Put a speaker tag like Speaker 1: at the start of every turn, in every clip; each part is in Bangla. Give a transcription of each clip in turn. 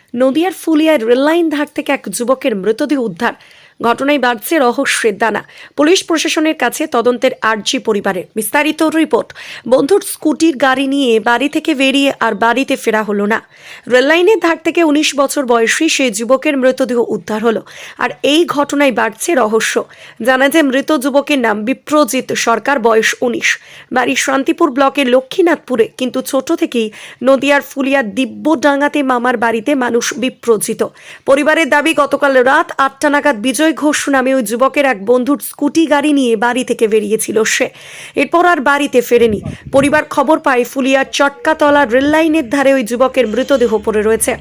Speaker 1: নদিয়ার ফুলিয়ায় রেললাইন ধার থেকে এক যুবকের মৃতদেহ উদ্ধার। ঘটনায় বাড়ছে রহস্যের দানা। পুলিশ প্রশাসনের কাছে তদন্তের আর্জি পরিবারের। বিস্তারিত রিপোর্ট। বন্ধুর স্কুটির গাড়ি নিয়ে বাড়ি থেকে বেরিয়ে আর বাড়িতে ফেরা হলো না। রেললাইনের ধার থেকে 19 বছর বয়সী সেই যুবকের মৃতদেহ উদ্ধার হলো। আর এই ঘটনায় বাড়ছে রহস্য। জানা যায় মৃত যুবকের নাম বিপ্রজিৎ সরকার, বয়স 19, বাড়ি শান্তিপুর ব্লকের লক্ষ্মীনাথপুরে। কিন্তু ছোট থেকেই নদিয়ার ফুলিয়ার দিব্যডাঙ্গাতে মামার বাড়িতে মানুষ বিপ্রজিত। পরিবারের দাবি, গতকাল রাত 8টা নাগাদ বিজয় ঘোষ নামে ওই যুবকের এক বন্ধুর স্কুটি গাড়ি নিয়ে বাড়ি থেকে বেরিয়েছিল সে। এরপর আর বাড়িতে ফেরেনি। পরিবার খবর পায় ফুলিয়ার চটকাতলা রেললাইনের ধারে ওই যুবকের মৃতদেহ পড়ে রয়েছে।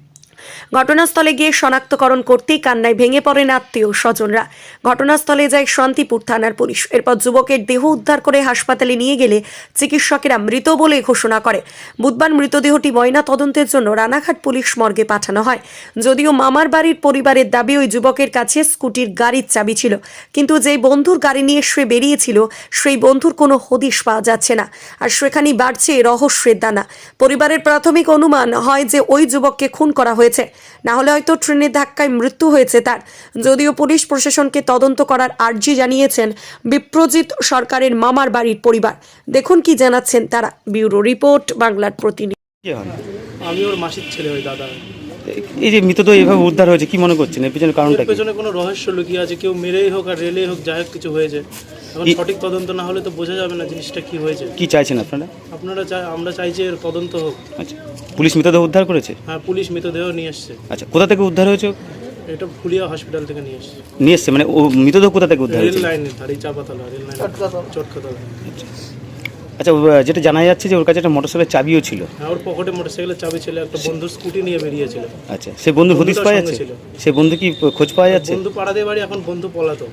Speaker 1: ঘটনাস্থলে গিয়ে শনাক্তকরণ করতেই কান্নায় ভেঙে পড়েন আত্মীয় স্বজনরা। ঘটনাস্থলে যায় শান্তিপুর থানার পুলিশ। এরপর যুবকের দেহ উদ্ধার করে হাসপাতালে নিয়ে গেলে চিকিৎসকেরা মৃত বলে ঘোষণা করে। বুধবার মৃতদেহটি ময়না তদন্তের জন্য রানাঘাট পুলিশ মর্গে পাঠানো হয়। যদিও মামার বাড়ির পরিবারের দাবি, ওই যুবকের কাছে স্কুটির গাড়ির চাবি ছিল, কিন্তু যেই বন্ধুর গাড়ি নিয়ে সে বেরিয়েছিল সেই বন্ধুর কোনো হদিশ পাওয়া যাচ্ছে না। আর সেখানেই বাড়ছে রহস্যের দানা। পরিবারের প্রাথমিক অনুমান হয় যে ওই যুবককে খুন করা হয়েছে, না হলে হয়তো ট্রেনের ধাক্কায় মৃত্যু হয়েছে তার। যদিও পুলিশ প্রশাসনকে তদন্ত করার আর্জি জানিয়েছেন বিপ্রজিৎ সরকারের মামার বাড়ির পরিবার। দেখুন কি জানাচ্ছেন তারা। ব্যুরো রিপোর্ট, বাংলার প্রতিনিধি।
Speaker 2: আমি ওর মাসির ছেলে, ওই দাদা।
Speaker 3: এই যে মৃতদেহ এভাবে উদ্ধার হয়েছে, কি মনে করছেন এর পেছনে কারণটা
Speaker 2: এর
Speaker 3: কি?
Speaker 2: পেছনে কোনো রহস্য লুকিয়ে আছে। কেউ মেরেই হোক আর রেলেই হোক, যাই হোক কিছু হয়েছে। এখন সঠিক তদন্ত না হলে তো বোঝা যাবে না জিনিসটা কি হয়েছে।
Speaker 3: কি চাইছেন আপনারা?
Speaker 2: আমরা চাইছি এর তদন্ত হোক।
Speaker 3: আচ্ছা, পুলিশ মৃতদেহ উদ্ধার করেছে?
Speaker 2: হ্যাঁ, পুলিশ মৃতদেহ নিয়ে এসছে।
Speaker 3: আচ্ছা, কোথা থেকে উদ্ধার হয়েছে?
Speaker 2: এটা ফুলিয়া হসপিটাল থেকে নিয়ে এসছে।
Speaker 3: নিয়ে এসছে মানে ও মৃতদেহ কোথা থেকে উদ্ধার
Speaker 2: রেল
Speaker 3: হয়েছে?
Speaker 2: লাইনের ধারে, চাপাতলা রেল লাইন, চটকাতলা।
Speaker 3: আচ্ছা, যেটা জানা যাচ্ছে যে ওর কাছে একটা মোটরসাইকেলের চাবিও ছিল।
Speaker 2: হ্যাঁ, ওর পকেটে মোটরসাইকেলের চাবি ছিল, একটা বন্ধুর স্কুটি নিয়ে বেরিয়েছিল।
Speaker 3: আচ্ছা, সে বন্ধুর হদিশ পাওয়া যাচ্ছে? সে বন্ধু কি খোঁজ পাওয়া যাচ্ছে?
Speaker 2: বন্ধু পাড়াতে বাড়ি, এখন বন্ধু পলাতক।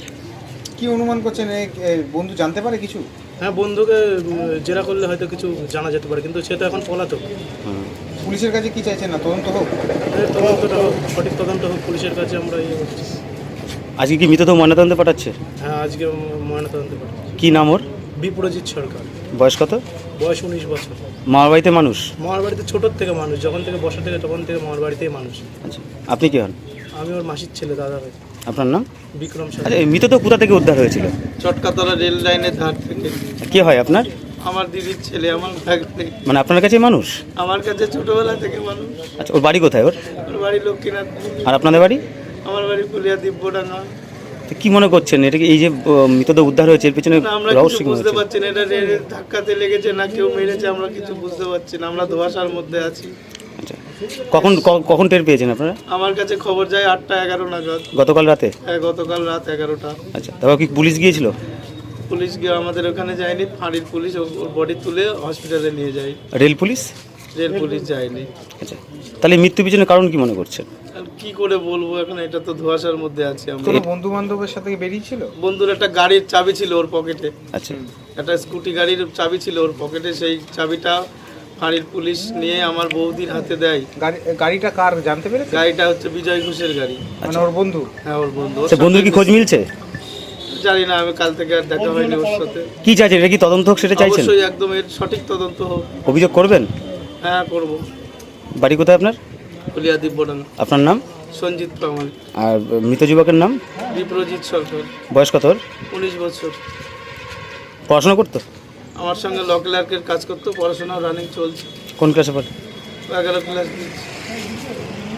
Speaker 4: কি অনুমান করছেন, বন্ধু জানতে পারে কিছু?
Speaker 2: হ্যাঁ, বন্ধুকে জেরা করলে হয়তো কিছু জানা যেতে পারে, কিন্তু সে তো এখন পলাতক।
Speaker 4: পুলিশের কাছে কি চাইছেন? না তদন্ত হোক?
Speaker 2: তদন্তটা হোক, সঠিক তদন্ত হোক, পুলিশের কাছে আমরা করছি।
Speaker 3: আজকে কি মৃতদেহ ময়নাতদন্তে পাঠাচ্ছে?
Speaker 2: হ্যাঁ, আজকে ময়নাতদন্তে পাঠাচ্ছে।
Speaker 3: কি নাম ওর?
Speaker 2: বিপ্রজিৎ সরকার।
Speaker 3: বয়স কত?
Speaker 2: বয়স 19 বছর।
Speaker 3: মামার বাড়িতে মানুষ?
Speaker 2: মামার বাড়িতে ছোটোর থেকে মানুষ, যখন থেকে বসা থেকে তখন থেকে মামার বাড়িতেই মানুষ।
Speaker 3: আচ্ছা, আপনি কি হন?
Speaker 2: আমি ওর মাসির ছেলে, দাদা ভাই।
Speaker 3: আপনার নাম?
Speaker 2: বিক্রম
Speaker 3: আচ্ছা,
Speaker 2: সরকার।
Speaker 3: এই মৃতদেহ কোথা থেকে উদ্ধার হয়েছিল?
Speaker 5: চটকাতলা রেল লাইনের ধার থেকে।
Speaker 3: কে হয় আপনার?
Speaker 5: আমার দিদির ছেলে, আমার ভাগ্নে।
Speaker 3: মানে আপনার কাছে মানুষ?
Speaker 5: আমার কাছে ছোটবেলা থেকে মানুষ।
Speaker 3: আচ্ছা, ওর বাড়ি কোথায় ওর?
Speaker 5: ওর বাড়ি লক্ষ্মীনাথ।
Speaker 3: আর আপনাদের বাড়ি?
Speaker 5: আমার বাড়ি ফুলিয়া দিব্যডাঙ্গা।
Speaker 3: তো কি মনে করছেন এটা কি, এই যে মৃতদেহ উদ্ধার হয়েছে এর পেছনে
Speaker 5: না, আমরা
Speaker 3: রহস্য
Speaker 5: কিছু
Speaker 3: কি মনে
Speaker 5: বুঝতে
Speaker 3: হচ্ছে?
Speaker 5: পারছি না, এটা রেলের ধাক্কাতে লেগেছে না কেউ মেরেছে, আমরা কিছু বুঝতে পারছি না। আমরা ধোঁয়াশার মধ্যে আছি।
Speaker 3: আচ্ছা, কখন টের পেয়েছেন আপনারা?
Speaker 5: আমার কাছে খবর যায় 8টা 11 নাগাদ।
Speaker 3: গতকাল রাতে?
Speaker 5: হ্যাঁ, গতকাল রাত 11টা।
Speaker 3: আচ্ছা, তারপর কি পুলিশ গিয়েছিল?
Speaker 5: পুলিশ গিয়ে আমাদের ওখানে যায়নি, ফাঁড়ির পুলিশ ওর বডি তুলে হসপিটালে নিয়ে যায়।
Speaker 3: Rail police?
Speaker 5: রেল পুলিশ যায়নি।
Speaker 3: আচ্ছা, তাহলে মৃত্যু পিছনে কারণ কি মনে করছেন?
Speaker 5: আর কি করে বলবো এখন, এটা তো ধোঁয়াশার মধ্যে আছি আমরা।
Speaker 4: কোনো বন্ধু বান্ধবের সাথে বেরিয়েছিল?
Speaker 5: বন্ধুর একটা গাড়ির চাবি ছিল ওর পকেটে।
Speaker 3: আচ্ছা,
Speaker 5: একটা স্কুটি গাড়ির চাবি ছিল ওর পকেটে, সেই চাবিটা ফাঁড়ির পুলিশ নিয়ে আমার বৌদির হাতে দেয়।
Speaker 4: গাড়িটা কার জানতে পেরেছে?
Speaker 5: গাড়িটা হচ্ছে বিজয় ঘোষের গাড়ি।
Speaker 4: মানে ওর বন্ধু?
Speaker 5: হ্যাঁ, ওর বন্ধু।
Speaker 3: সে বন্ধুর কি খোঁজ মিলছে?
Speaker 5: জানি না, আমি কাল থেকে আর দেখা হয়নি ওর সাথে।
Speaker 3: কি চাইছেন, এটা কি তদন্ত হোক সেটা চাইছেন?
Speaker 5: অবশ্যই, একদম এর সঠিক তদন্ত হোক।
Speaker 3: অভিযোগ করবেন?
Speaker 5: হ্যাঁ, করবো।
Speaker 3: বাড়ি কোথায় আপনার?
Speaker 5: ফুলিয়া দিব্যডাঙ্গা।
Speaker 3: আপনার নাম?
Speaker 5: সঞ্জিত প্রামাণিক।
Speaker 3: আর মৃত যুবকের নাম?
Speaker 5: বিপ্রজিৎ সরকার।
Speaker 3: বয়স কত ওর?
Speaker 5: 19 বছর।
Speaker 3: পড়াশোনা করতো?
Speaker 5: আমার সঙ্গে ল ক্লার্কের কাজ করতো, পড়াশোনা রানিং চলছে।
Speaker 3: কোন ক্লাসে পড়ে?
Speaker 5: 11 ক্লাস দিচ্ছে।